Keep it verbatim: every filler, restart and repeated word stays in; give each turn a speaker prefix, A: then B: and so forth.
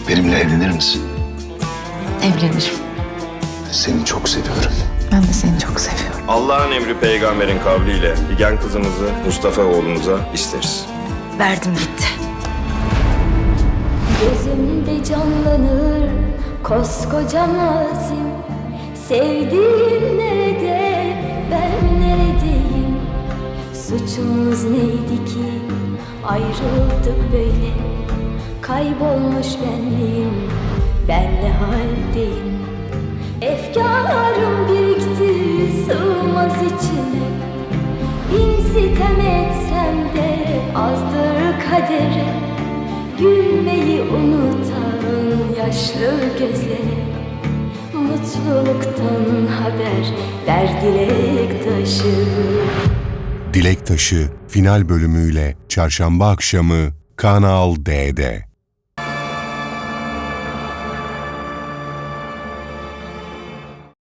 A: Benimle evlenir misin?
B: Evlenirim.
A: Seni çok seviyorum.
B: Ben de seni çok seviyorum.
C: Allah'ın emri peygamberin kavliyle Figen kızımızı Mustafa oğlumuza isteriz.
B: Verdim gitti.
D: Gözümde canlanır koskoca mazim. Sevdiğim nerede, ben neredeyim? Suçumuz neydi ki ayrıldık böyle? Kaybolmuş benliğim, ben ne haldeyim? Efkarım birikti, sığmaz içime. Bin sitem etsem de azdır kadere. Gülmeyi unutan yaşlı gözlere. Mutluluktan haber ver dilek taşı.
E: Dilek Taşı final bölümüyle çarşamba akşamı Kanal D'de.